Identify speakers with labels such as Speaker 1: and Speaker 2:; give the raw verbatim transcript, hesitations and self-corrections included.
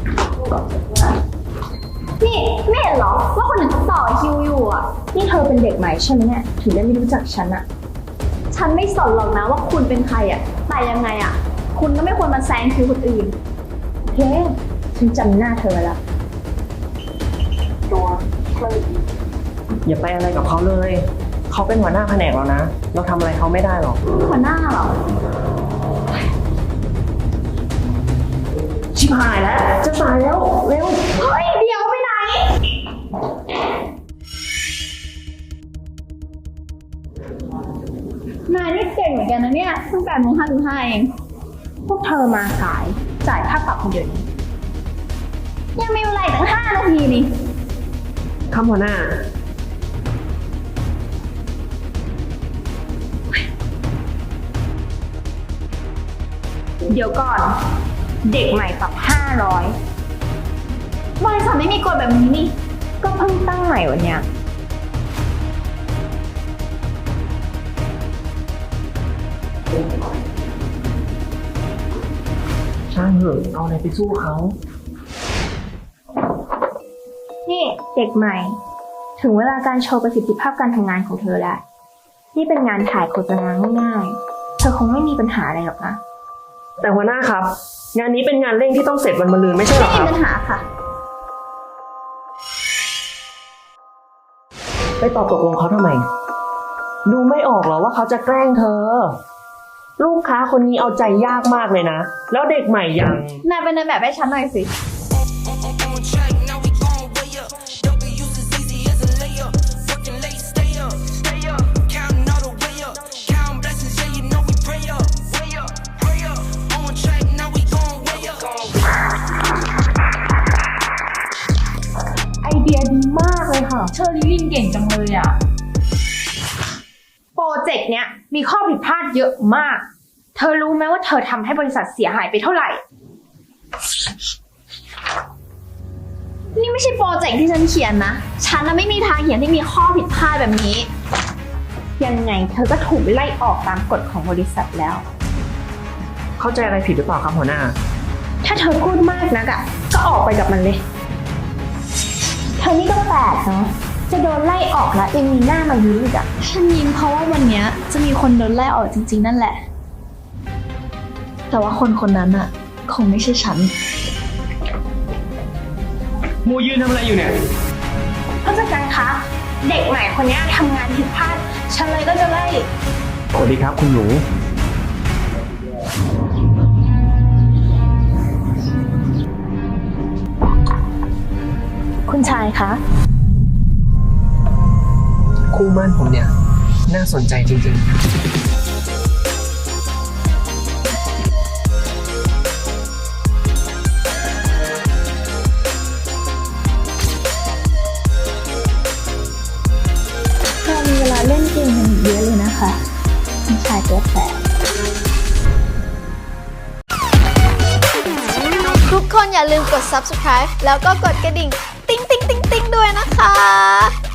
Speaker 1: นี่ไม่เห็นเหรอว่าคนอื่นเขาต่อคิวอยู่อ่ะนี่เธอเป็นเด็กใหม่ใช่ไหมเนี่ยถึงได้ไม่รู้จักฉันอ่ะฉันไม่สนหรอกนะว่าคุณเป็นใครอ่ะแต่ยังไงอ่ะคุณก็ไม่ควรมาแซงคิวคนอื่นเฮ้ฉันจำหน้าเธอแล้วตัว
Speaker 2: อย่าไปอะไรกับเขาเลยเขาเป็นหัวหน้าแผนกแล้วนะเราทำอะไรเขาไม่ได้หรอก
Speaker 1: หัวหน้าเหรอ
Speaker 2: ชิบหายแล้วจะสายแล้วเร็ว
Speaker 1: เฮ้ยเดี๋ยวไปไหนนายนี่เก่งเหมือนกันนะเนี่ยเพิ่งแปดโมงห้าสิบห้าเองพวกเธอมาสายจ่ายค่าปรับคนเดียวยังมีเวลาตั้งห้านาทีนี่
Speaker 2: ครับหัวหน้า
Speaker 1: เดี๋ยวก่อนเด็กใหม่ปรับห้าร้อยบริษัทไม่มีกฎแบบนี้นี่ก็เพิ่งตั้งใหม่วันเนี้ย
Speaker 2: ช่างเถอะเอาอะไรไปสู้เขา
Speaker 1: นี่เด็กใหม่ถึงเวลาการโชว์ประสิทธิภาพการทำงานของเธอแล้วนี่เป็นงานถ่ายโฆษณาง่ายๆเธอคงไม่มีปัญหาอะไรหรอกนะ
Speaker 2: แต่หัวหน้าครับงานนี้เป็นงานเร่งที่ต้องเสร็จวันมะรืนไม่ใช่หรอครับ
Speaker 1: ไม่มีปัญหาค่ะ
Speaker 2: ไปตอบตกลงเขาทำไมดูไม่ออกเหรอว่าเขาจะแกล้งเธอลูกค้าคนนี้เอาใจยากมากเลยนะแล้วเด็กใหม่ยัง
Speaker 1: นายเป็นนายแบบให้ฉันหน่อยสิไอเดียดีมากเลยค่ะ
Speaker 3: เชอรี่ลินเก่งจังเลยอ่ะ
Speaker 1: โปรเจกต์เนี้ยมีข้อผิดพลาดเยอะมากเธอรู้ไหมว่าเธอทำให้บริษัทเสียหายไปเท่าไหร่นี่ไม่ใช่โปรเจกต์ที่ฉันเขียนนะฉันน่ะไม่มีทางเขียนที่มีข้อผิดพลาดแบบนี้ยังไงเธอก็ถูกไล่ออกตามกฎของบริษัทแล้ว
Speaker 2: เข้าใจอะไรผิดหรือเปล่าครับหัวหน้า
Speaker 1: ถ้าเธอพูดมากนักอ่ะก็ออกไปกับมันเลยเธอนี่ก็แปลกเนาะจะโดนไล่ออกแล้วยังมีหน้ามายิ้มอีกอ่ะฉันยิ้มเพราะว่าวันนี้จะมีคนโดนไล่ออกจริงๆนั่นแหละแต่ว่าคนคนนั้นอ่ะคงไม่ใช่ฉัน
Speaker 2: มูยืนทำอะไรอยู่เนี่ย
Speaker 1: ผู้จัดการคะเด็กใหม่คนนี้ทำงานผิดพลาดฉันเลยก็จะไล่
Speaker 2: สวัสดีครับคุณหนู
Speaker 1: คุณชายคะ
Speaker 2: คู่มั่นผมเนี่ยน่าสนใจจริงๆ
Speaker 1: เรามีเวลาเล่นเกมกันเยอะเลยนะคะคุณชายตัวแสบ
Speaker 4: ทุกคนอย่าลืมกด ซับสไครบ์ แล้วก็กดกระดิ่งติ๊งติ๊งติ๊งติ๊งด้วยนะคะ